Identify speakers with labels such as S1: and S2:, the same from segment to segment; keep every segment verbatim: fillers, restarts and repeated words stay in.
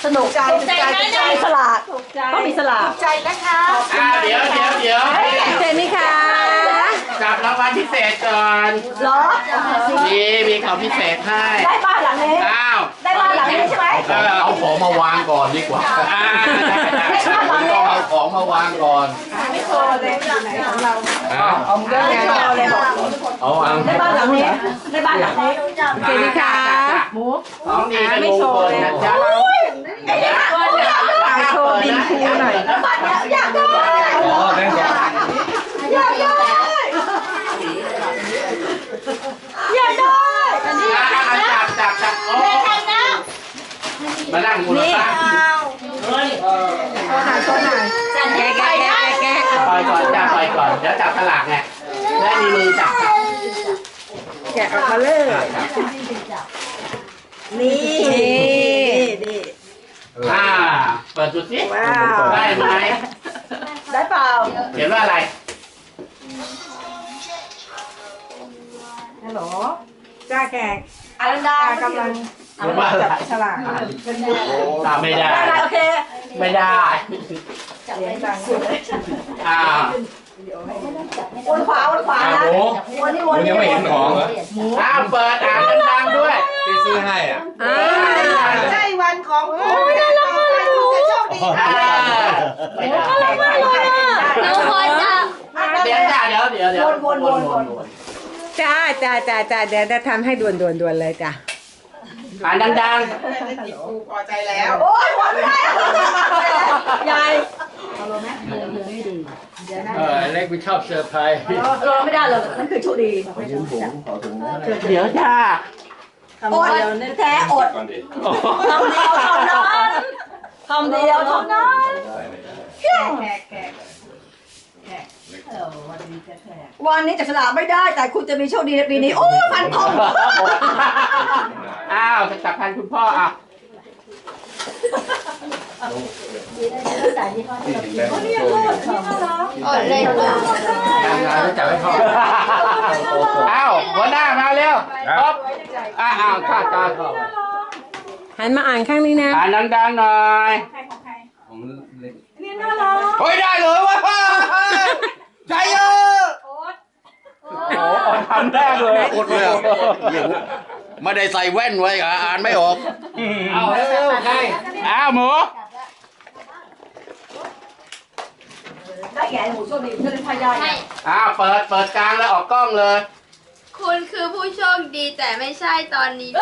S1: สนุกใจใจใจสลากต้องมีสลากใจนะคะ
S2: อ่าเดี๋ยวเดี๋ยวเดี๋ยว
S3: เจนนี่ค่ะ
S2: จับรางวัลพิเศษก่อน
S1: เหรอ
S2: นี่มีของพิเศษให้
S1: ได้บ้านหลังนี้
S2: อ้าว
S1: ได้บ้านหลังนี้ใช่ไหม
S4: เอาของมาวางก่อนดีกว่า
S2: อ่า
S4: ต้องเอาของมาวางก่อน
S1: ไม่โชว์เลยไหนของเราเอาเงินโชว์เลยบอก
S4: เอาวาง
S1: ได้บ้านหลังนี้ได้บ้านหลังนี้
S3: เจนนี่ค่ะ
S1: หมู
S2: ของดีไม่โชว์เลยนะจ๊ะ
S1: ไอ้เนี่ยโชว์บินคูหน่อยแล้วบ้านเนี้ยอยากได้อยากได้อยากได้อันนี้
S2: จับจับจับโอ้มานั่งมูลค่าเฮ้ยโชว์หน่อยโชว์หน่อย
S3: แกะแกะแกะแกะ
S2: ปล่อยก่อนจับปล่อยก่อนเดี๋ยวจับฉลากไงและมีมือจับ
S1: แกะออกมาเลยนี่นี่
S2: อ่าเปิดดูสิได้ไหม
S1: ได้เปล่า
S2: เขียนว่าอะไร
S1: ฮัลโหลจ้าแขกอารันดากำลังจับฉลาก
S2: ตามไม่ได้
S1: โอเค
S2: ไม่ได้
S1: เลี้ยงดัง
S2: อ่า
S1: วนขวาวนขวานะวนนี่วน
S4: ยังไม่เห็นของเหรอ
S2: อ้าวเปิดอ่านดังๆด้วย
S4: ที่ซื้อให้อ่ะ
S1: ใช่วันของคุณไม่ได้แล้วไม่ได้จะโชคดี
S2: ไม่ได้
S3: หนูขอจับ
S2: เดี๋ยวจ้าเดี๋ยวเดี๋ยวเดี๋ยว
S1: วนวนวนวน
S3: จ้าจ้าจ้าจ้าเดี๋ยวจะทำให้ด่วนด่วนด่วนเลยจ้ะ
S2: อ่านดัง
S1: ๆพอใจแล้วโอ้ยหมดไม่ได้ยายเอาลงไหมเดินเดินไม่ดี
S4: เออเล็กไม่ชอบเซอร์ไพรส์
S1: รอไม่ได้เลยนั่นคือโชคดี
S2: เดี๋ยวจ้า
S1: อดแท้อดคำเดียวเท่านั้นคำเดียวเท่านั้นแขกแขกแขกแขกวันนี้จะฉลาดไม่ได้แต่คุณจะมีโชคดีในปีนี้โอ้ฟันธง
S2: อ้าวจะจับพันคุณพ่ออ่ะ
S3: อดเลย
S4: จับให้พ่อ
S2: อ้าวหัวหน้ามาเร็วครับอ้าวข้าตา
S3: หันมาอ่านข้างนี้นะ
S2: อ่านดังๆหน่อย
S1: นี่น่ารัก
S4: เฮ้ยได้เลยวะใจเยอะ
S2: โอ้ทำแรกเลย
S4: อดเลยไม่ได้ใส่แว่นไว้อ่านไม่ออก
S2: เอาเร็วใครอ้าวหมู
S1: ได้แก่หมูโชคดีจะเป็นพยาน
S2: อ้าวเปิดเปิดกลางแล้วออกกล้องเลย
S3: คุณคือผู้โชคดีแต่ไม่ใช่ตอนนี้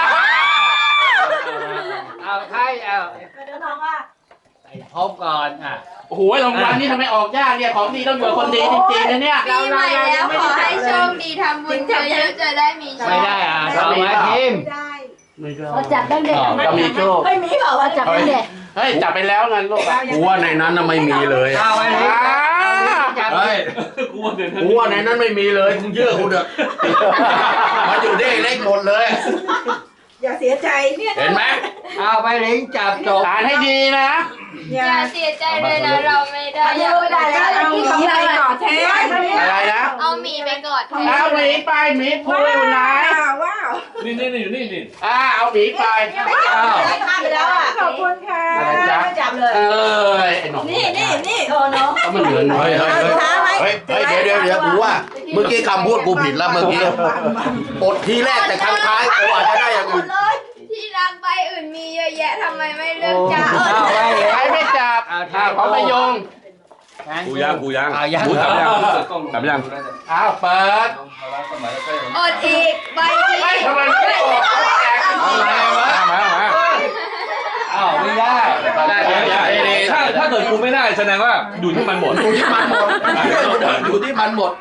S2: เอาใครเอา
S1: เดินทางว่า
S2: พบก่อนอ่ะโอ้โหรางวัลนี่ทำไมออกยากเนี่ยของดีต้องอยู่คนดีจริงๆนะเนี่ย
S3: ปีใหม่แล้วขอให้โชคดีทำบุญเยอะๆจะได้มีโชค
S2: ไม่ได้อ่ะเอาไว้ทีม
S1: ไม่ได้เราจับได้เด็ก
S2: ก็มีโชค
S1: ไม่มีเปล่าว่าจับได้เด็ก
S2: เฮ้ยจับไปแล้วงั้นลูก
S4: กูว่าในนั้นน่ะไม่มีเลย
S2: เอาไว้ที
S4: เฮ้ยกูว่าในนั้นไม่มีเลยมึงเชื่อกูเถอะมันอยู่ได้เล็กหมดเลย
S1: อย่าเสียใจ
S4: เห็นไหม
S2: เอาไปลิงจับจบอ่านให้ดีนะ
S3: อย่าเสียใจเลยนะเราไม่ได้
S1: ไม่ได้แล้วเอาหมีไปกอดแทน
S2: อะไรนะ
S3: เอาหมีไปกอดแทน
S2: เอาหมีไปหมีพูดอยู่ไหน
S1: ว้าว
S4: นี่นี่นี่อยู่นี่นี่
S2: อ่าเอาหมีไป
S1: อ้าวข้ามไปแล้วอ่ะขอบคุณค่ะไม่จับเลย
S2: เออไอ้หนอง
S1: นี่นี่นี่โอ้เนาะ
S2: ก็มันเหลือน้อย
S4: เฮ้ยเฮ้ยเฮ้ยเดี๋ยวเดี๋ยวเดี๋ยวกูว่าเมื่อกี้คำพูดกูผิดแล้วเมื่อกี้อดทีแรกแต่ครั้งท้ายกูอาจจะได้อย่างอื่น
S3: ที่รักใบอื่นมีเยอะแยะทำไมไม่เลือกจับ
S2: ใครไม่จับอ่าเขาไม่ยง
S4: กูยังกูยังกูจับยังจับยัง
S2: อ้าวเปิด
S3: อดอีกใบ
S2: ไม่ทำไมไม่ออก
S4: เอามามามา
S2: อ้าวไม่ได้
S4: ถ้าถ้าเกิดกูไม่ได้แสดงว่าอยู่ที่มันหมดอยู่ที่มันหมดอยู่ที่มันหมด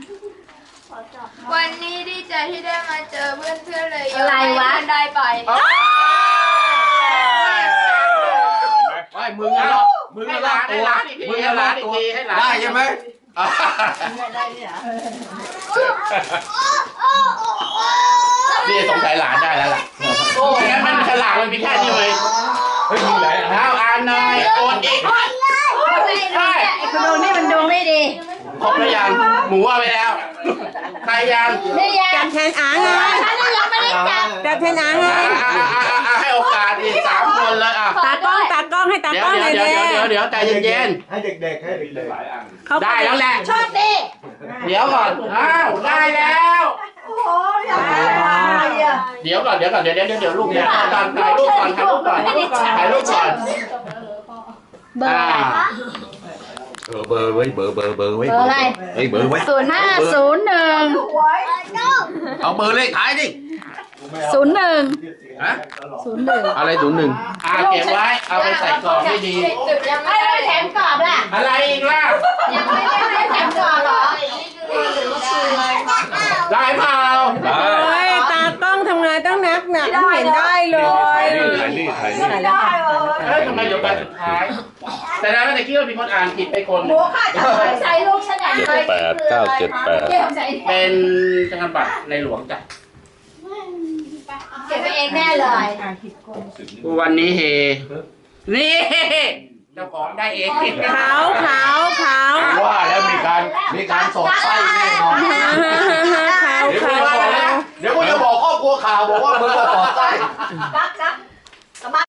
S3: วันนี้ดีใจที่ได้มาเจอเพื่อนเพื่อนเลยอะไรวะได้ไป
S4: ไม่มึงอะมึงอะลากตัวมึงอะลากตัวได้ใช่ไหม
S1: ได้เนี่ย
S2: นี่สงสัยหลานได้แล้วล่ะโอ้ยงั้นมันฉลาดมันมีแค่นี้เลย
S4: เฮ้ยมึงไหน
S2: เอาอ่านหน่อยโอนอีกใช่
S1: ไอ้คนดวงนี่มันดวงไม่ดี
S2: ครบแล้วยังหมูเอาไปแล้วใครยัง
S1: นี่ยัง
S5: จับแทนอ่างไง
S1: ฉันยังไม่ได้จับ
S5: จับแทนอ่างไง
S2: อ่ะอ่ะอ่ะอ่ะอ่ะให้โอกาสอีกสามคนเลยอ่ะ
S5: ตากล้องตากล้องให้ตา
S2: เดี๋ย
S5: ก
S2: ว
S5: ล้องห
S2: เดี๋
S5: น่
S2: ย
S5: อ
S2: วย เดี๋ยว
S5: แน่
S2: เดี๋ยวเดี๋ยวใจเย็น
S6: ให้เด็กๆให้เด็ก
S2: ๆได้แล้วแหละ
S1: โชคดี
S2: เดี๋ยวก่อนอ้าวได้แล้ว
S1: โอ้ยอยากได้อะไรอ่ะ
S2: เดี๋ยวก่อนเดี๋ยวก่อนเดี๋ยวเดี๋ยวเดี๋ยวลูกเนี่ยตอนถ่ายรูปก่อนถ่ายรูปก่อนถ่ายรูปก่อน
S1: เบอร์อะไร
S4: เออเบอร์ไว้เบอร์เบอร์เบอร์ไว้
S1: เบอร์อะไร
S4: เฮ้ยเบอร์ไว้
S1: ศูนย์ห้าศูนย์หนึ่ง
S4: เอาเบอร์เลขท้ายดิ
S1: ศูนย์หนึ่ง
S4: ฮะ
S1: ศูนย์หนึ่ง
S4: อะไรศูนย์หนึ่ง
S2: อ่าเก็บไว้เอาไปใส่กล่องให้ดี
S3: จุดยัง
S1: ไอ้
S3: ไม่ได้
S1: แถมกรอบล่ะ
S2: อะไรอีกล่ะ
S3: ยังไม่ได้แถมก่อนเหรอ
S2: ได้เปล่า
S5: โอ้ยตากล้องทำงานต้องนักหนักไม่เห็นได้เลย
S6: ถ่ายนี่ถ่ายนี่
S1: ไม่ได้เลย
S2: เอ้ยทำไมเดี๋ยวไปสุดท้าย แต่แล้วแต่คิดว่ามีคนอ่านผิดไปคน
S1: หมูข้าจะใส่ลูกฉันไหน
S6: แปดเก้าเจ็ดแปด
S1: เก็บใส่
S2: เป็นธนบัตรในหลวงจ้ะ
S1: เก็บไปเองแน่เลย
S2: วันนี้เฮ นี่เจ้าของได้เอง
S5: ขาวขาวขาว
S4: ว่าแล้วมีการมีการสอดไส้แน่นอน
S5: ฮ่าฮ่าฮ่าฮ่าขาว
S4: เดี๋ยว
S5: ขา
S4: กู
S5: ว
S4: จะบอกนะเดี๋ยวกูจะบอกครอบครัวข่าวบอกว่ามึงจะสอดไส้
S1: กักกัก